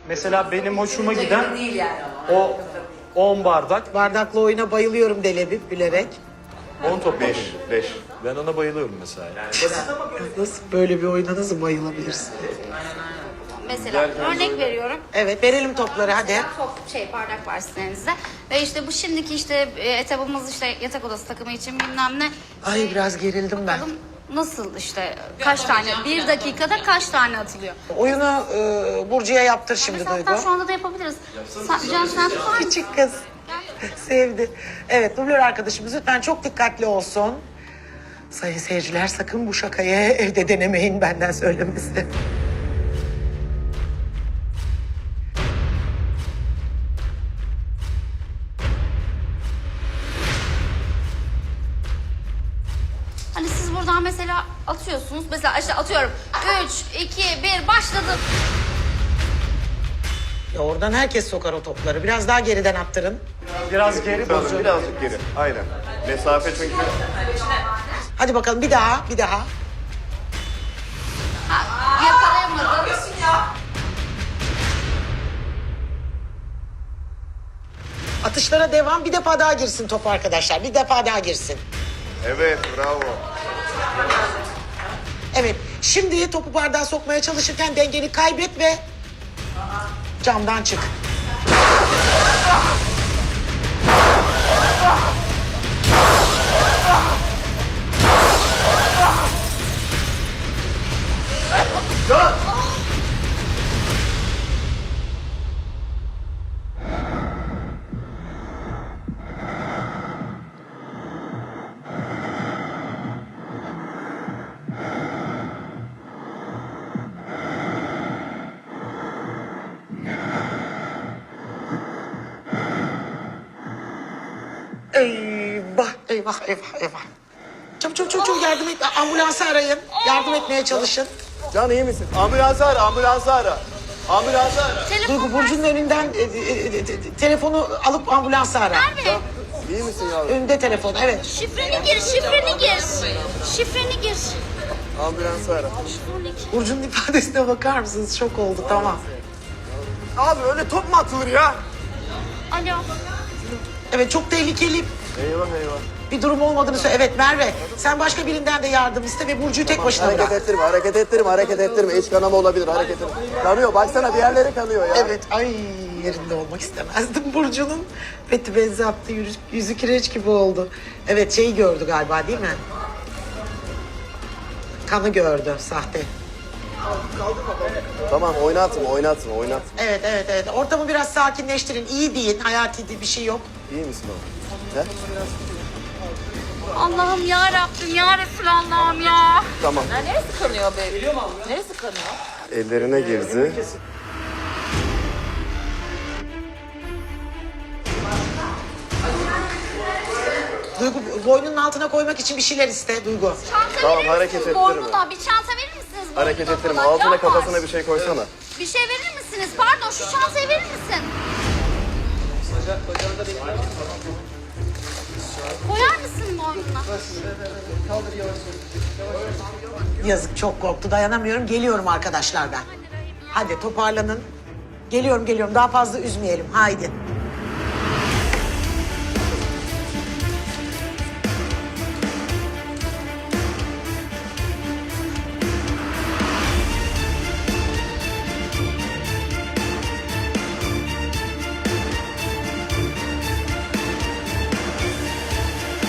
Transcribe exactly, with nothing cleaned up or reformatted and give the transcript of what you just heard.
Mesela benim hoşuma Çok giden değil yani ama. o on bardak, Bardaklı oyuna bayılıyorum Delebi bilerek. on top. Beş, beş. Ben ona bayılıyorum mesela. Yani. Nasıl böyle bir oyuna nasıl bayılabilirsin? Mesela örnek veriyorum. Evet verelim topları hadi. Top şey bardak var sizin elinizde. Ve işte bu şimdiki işte e, etabımız işte yatak odası takımı için bilmem ne. Ay biraz gerildim ben. Bakalım nasıl işte kaç tane bir dakikada kaç tane atılıyor. Oyunu e, Burcu'ya yaptır şimdi Mesela Duygu. hatta şu anda da yapabiliriz. Sen, Can sen tutar mısın? Küçük kız. Sevdi. Evet dublör arkadaşımız lütfen çok dikkatli olsun. Sayın seyirciler sakın bu şakayı evde denemeyin benden söylemesi. Hani siz buradan mesela atıyorsunuz. Mesela işte atıyorum. Üç, iki, bir başladı. Ya oradan herkes sokar o topları. Biraz daha geriden attırın. Biraz geri Tamam, bozacağım. birazcık geri. Aynen. Mesafe çünkü... Hadi bakalım bir daha, bir daha. Ha, yakalayamadım. Atışlara devam. Bir defa daha girsin top arkadaşlar. Bir defa daha girsin. Evet, bravo. Evet. Şimdi topu bardağa sokmaya çalışırken dengeni kaybet ve camdan çık. Eyvah, eyvah, eyvah, eyvah. Çabuk çabuk çabuk çabuk yardım et. Ambulansı arayın. Yardım etmeye çalışın. Can iyi misin? Ambulansı ara, ambulansı ara. Ambulansı ara. Duygu Burcu'nun önünden e, e, e, te- telefonu alıp ambulansı ara. Nerede? İyi misin yavrum? Önünde telefon, evet. Şifreni gir, şifreni gir. Şifreni gir. Ambulansı ara. Burcu'nun ifadesine bakar mısınız? Şok oldu, tamam. Abi öyle top mu atılır ya? Alo. Evet, çok tehlikeli Eyvah eyvah. bir durum olmadığını söyle. Evet Merve, sen başka birinden de yardım iste ve Burcu'yu tek başına Hareket bırak. ettirme, hareket ettirme, hareket ettirme. İç kanama olabilir, hareket ettirme. Kanıyor, baksana bir yerleri kanıyor ya. Evet, ay yerinde olmak istemezdim Burcu'nun. Beti benzi attı, yüzü, yüzü kireç gibi oldu. Evet, şeyi gördü galiba değil mi? Kanı gördü, sahte. Tamam, oynatma, oynatma, oynatma. Evet, evet, evet. Ortamı biraz sakinleştirin. İyi deyin, hayati bir şey yok. İyi misin oğlum? He? Allah'ım ya Rabbim ya Resulallah'ım ya. Tamam. Neresi kanıyor be? Neresi kanıyor? Ellerine girdi. Duygu, boynunun altına koymak için bir şeyler iste Duygu. Çanta Tamam, verir hareket misiniz ettirme. boynuna? Bir çanta verir misiniz boynuna? Hareket ettirme. falan? Altına Can kafasına var. bir şey koysana. Bir şey verir misiniz? Pardon şu çantayı verir misin? Koyar mısın boynuna? Yazık, çok korktu, dayanamıyorum. Geliyorum arkadaşlar ben. Hadi toparlanın. Geliyorum, geliyorum. Daha fazla üzmeyelim. Haydi.